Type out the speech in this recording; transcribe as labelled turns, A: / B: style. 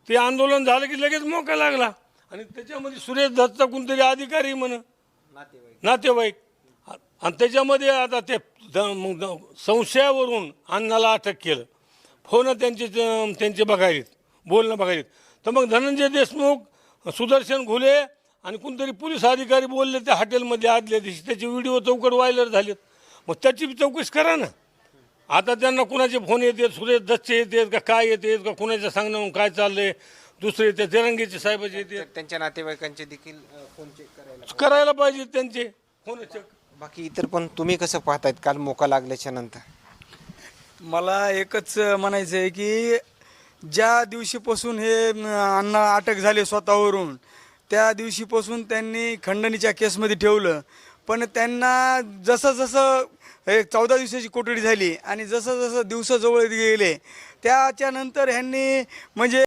A: ते आंदोलन झालं की लगेच मोका लागला आणि त्याच्यामध्ये सुरेश दत्तचा कोणतरी अधिकारी म्हण नातेवाईक आणि त्याच्यामध्ये आता ते संशयावरून अण्णाला अटक केलं. फोन त्यांचे बघायलेत, बोलणं बघायलेत. तर मग धनंजय देशमुख, सुदर्शन घुले आणि कोणतरी पोलीस अधिकारी बोलले त्या हॉटेलमध्ये आदल्या दिवशी, त्याचे व्हिडिओ चौकट व्हायरल झालेत. मग त्याची बी चौकशी करा ना. आता त्यांना कुणाचे फोन येतात, सुरेश दत्तचे येतात का काय येतात का कुणाच्या सांगण्यावरून काय चाललंय, दुसरे येते तिरंगीचे साहेबाचे येते.
B: त्यांच्या नातेवाईकांचे देखील फोन चेक
A: करायला पाहिजे त्यांचे फोन चेक.
B: बाकी इतर पण तुम्ही कसं पाहतायत काल मोका लागल्याच्या नंतर?
C: मला एकच म्हणायचं आहे की ज्या दिवशीपासून हे अण्णा अटक झाले स्वतःवरून, त्या दिवशीपासून त्यांनी खंडणीच्या केसमध्ये ठेवलं. पण त्यांना जसं जसं 14 दिवसाची कोठडी झाली आणि जसं जसं दिवस जवळ गेले त्याच्यानंतर ह्यांनी म्हणजे